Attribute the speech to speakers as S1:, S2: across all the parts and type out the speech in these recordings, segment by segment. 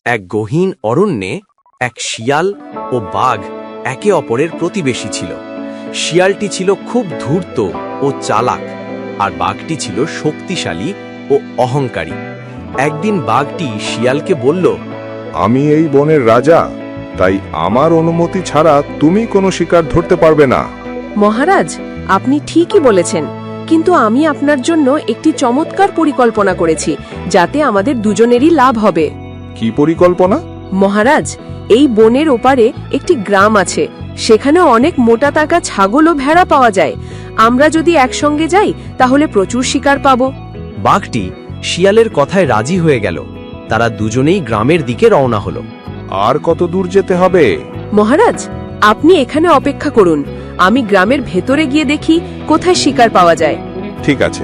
S1: এক গহীন অরণ্যে এক শিয়াল ও বাঘ একে অপরের প্রতিবেশী ছিল। শিয়ালটি ছিল খুব ধূর্ত ও চালাক, আর বাঘটি ছিল শক্তিশালী ও অহংকারী। একদিন বাঘটি শিয়ালকে বলল,
S2: আমি এই বনের রাজা, তাই আমার অনুমতি ছাড়া তুমি কোনো শিকার ধরতে পারবে না।
S3: মহারাজ, আপনি ঠিকই বলেছেন, কিন্তু আমি আপনার জন্য একটি চমৎকার পরিকল্পনা করেছি, যাতে আমাদের দুজনেরই লাভ হবে।
S2: কি পরিকল্পনা?
S3: মহারাজ, এই বনের ওপারে একটি গ্রাম আছে, সেখানে অনেক মোটা টাকা ছাগল ও ভেড়া পাওয়া যায়। আমরা যদি একসঙ্গে যাই তাহলে প্রচুর শিকার পাবো।
S1: বাঘটি শিয়ালের কথায় রাজি হয়ে গেল। তারা দুজনেই গ্রামের দিকে রওনা হলো।
S2: আর কত দূর যেতে হবে?
S3: মহারাজ, আপনি এখানে অপেক্ষা করুন, আমি গ্রামের ভেতরে গিয়ে দেখি কোথায় শিকার পাওয়া যায়।
S2: ঠিক আছে।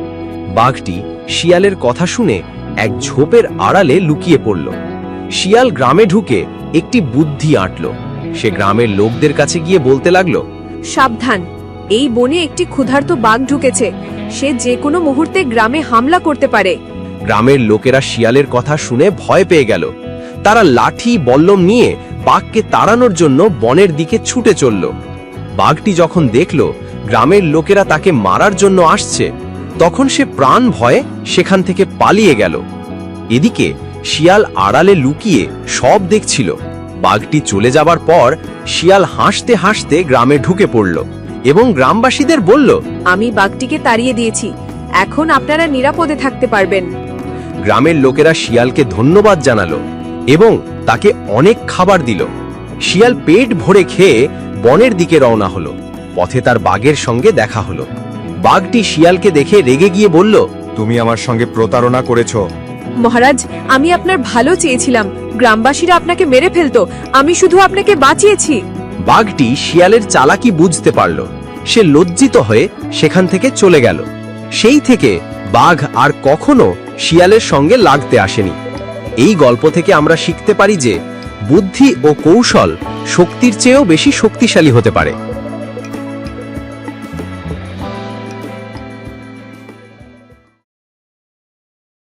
S1: বাঘটি শিয়ালের কথা শুনে এক ঝোপের আড়ালে লুকিয়ে পড়ল। শিয়াল গ্রামে ঢুকে একটি বুদ্ধি আঁটল। সে গ্রামের লোকদের কাছে গিয়ে বলতে লাগলো,
S3: সাবধান, এই বনে একটি ক্ষুধার্ত বাঘ ঢুকেছে, সে যে কোনো মুহূর্তে গ্রামে হামলা করতে পারে।
S1: গ্রামের লোকেরা শিয়ালের কথা শুনে ভয় পেয়ে গেল। তারা লাঠি বল্লম নিয়ে বাঘকে তাড়ানোর জন্য বনের দিকে ছুটে চলল। বাঘটি যখন দেখল গ্রামের লোকেরা তাকে মারার জন্য আসছে, তখন সে প্রাণ ভয়ে সেখান থেকে পালিয়ে গেল। এদিকে শিয়াল আড়ালে লুকিয়ে সব দেখছিল। বাঘটি চলে যাবার পর শিয়াল হাসতে হাসতে গ্রামে ঢুকে পড়ল এবং গ্রামবাসীদের বলল,
S3: আমি বাঘটিকে তাড়িয়ে দিয়েছি, এখন আপনারা নিরাপদে থাকতে পারবেন।
S1: গ্রামের লোকেরা শিয়ালকে ধন্যবাদ জানালো এবং তাকে অনেক খাবার দিল। শিয়াল পেট ভরে খেয়ে বনের দিকে রওনা হলো। পথে তার বাঘের সঙ্গে দেখা হলো। বাঘটি শিয়ালকে দেখে রেগে গিয়ে বলল,
S2: তুমি আমার সঙ্গে প্রতারণা করেছো।
S3: মহারাজ, আমি আপনার ভালো চেয়েছিলাম, গ্রামবাসীরা আপনাকে মেরে ফেলতো, আমি শুধু আপনাকে বাঁচিয়েছি।
S1: বাঘটি শিয়ালের চালাকি বুঝতে পারল। সে লজ্জিত হয়ে সেখান থেকে চলে গেল। সেই থেকে বাঘ আর কখনো শিয়ালের সঙ্গে লাগতে আসেনি। এই গল্প থেকে আমরা শিখতে পারি যে বুদ্ধি ও কৌশল শক্তির চেয়েও বেশি শক্তিশালী হতে পারে।